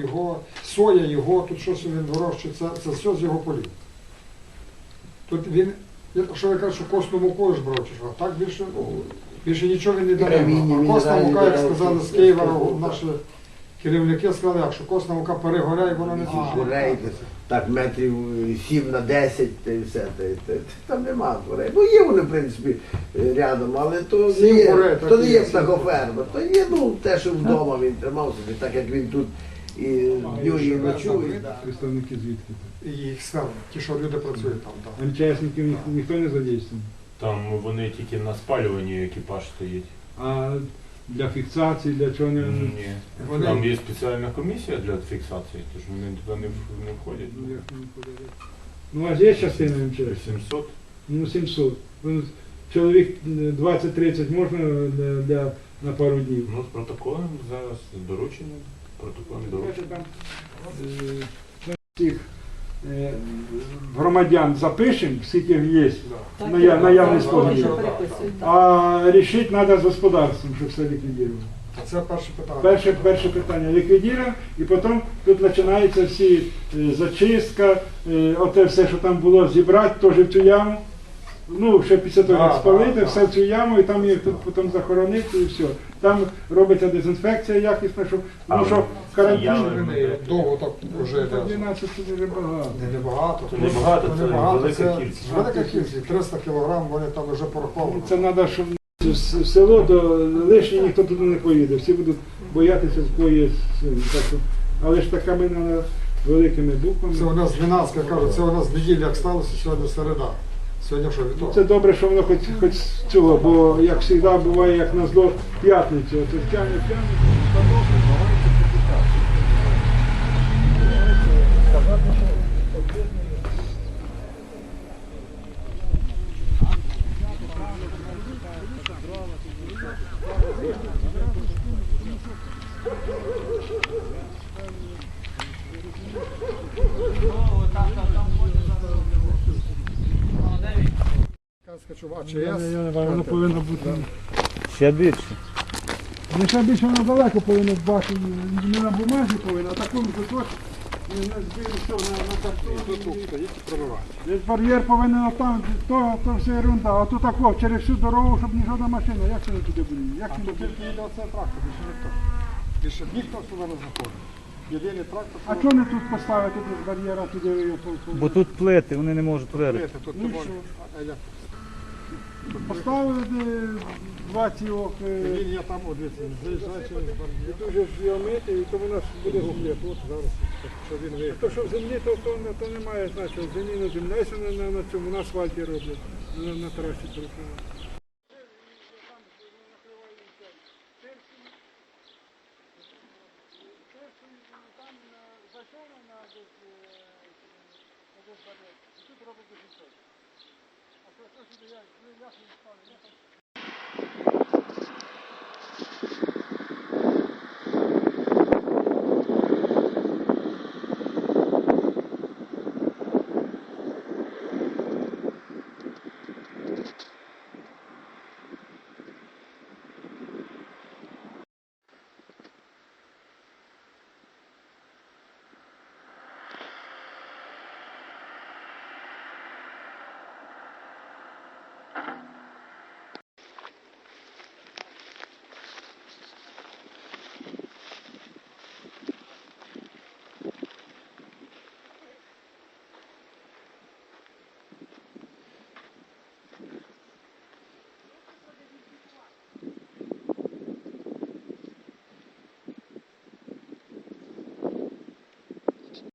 його, соя його, тут щось він вирощує, це все з його полів. Тут він, що ви кажете, що косну муку ж брав, чи що? Так більше нічого він не дає. А косна мука, як сказали з Києва, наші керівники сказали, якщо косна мука перегоряє, вона не Горей, так метрів 7 на 10, та й все. Там нема курей. Ну є вони, в принципі, рядом, але то не є птахоферма. То є, те, що вдома він тримав собі, так як він тут і дню, і ночує. Представники звідки? І їх ставили, ті, що люди працюють там. Так. МЧСників ніхто не задействує? Там вони тільки на спалюванні екіпаж стоїть. А для фіксації, для чого не... Ні. Там є спеціальна комісія для фіксації, тож вони туди не входять. Ну, як не входять? Ну, у вас є частина МЧС? 700. Ну, 700. Ну, чоловік 20-30 можна на пару днів? Ну, з протоколом зараз доручення, протокольне доручення. Там всіх громадян запишемо, скільки є наявність споживів. А рішити треба з господарством, щоб все ліквідувати. Це перше питання. Перше питання ліквідуємо, і потім тут починається всі зачистка, оте все, що там було, зібрати теж в цю яму. Ну, ще після того, як спалити, все в цю яму, і там їх тут потім захоронити, і все. Там робиться дезінфекція якісна, щоб, тому що карантин... Довго так вже... 12 це дуже багато. Не багато. Це не багато, це велика кількість. Велика кількість, 300 кг, вони там вже пораховані. Це треба, щоб в село, то лишнє ніхто туди не поїде, всі будуть боятися з бої. Але ж такими треба великими буквами. Це у нас 12, кажуть, це у нас неділя як сталося, сьогодні середа. Сьогодні що, вівторок? Це добре, що воно хоч цього, бо як завжди буває, як на зло п'ятницю, це тягне. Воно повинно бути. Ще більше. Не ще більше воно далеко повинно бачити, не на бумазі повинно, а такому кусочку, на картоні. Десь бар'єр повинен там, то все ерунда, а тут тако, через всю дорогу, щоб ні жодна машина, як це не туди буде? Як А це тут тільки йде оцей трактор, більше ніхто. Більше ніхто сюди не заходить. Єдиний трактор. А чого не тут поставити без бар'єра туди? Бо тут плити, вони не можуть вирити. Тут Ну, не можна. Поставили два ці Лінія там, от дивіться, заїжджає через і бар'єр. дуже зйомити, і то воно буде землі. Тут зараз, що він виїхав. То, що в землі, то немає значення. В землі на землі, якщо на цьому, на асфальті роблять, на трасі перекривають. Тут робить дуже. А що сюди, як не ставлю,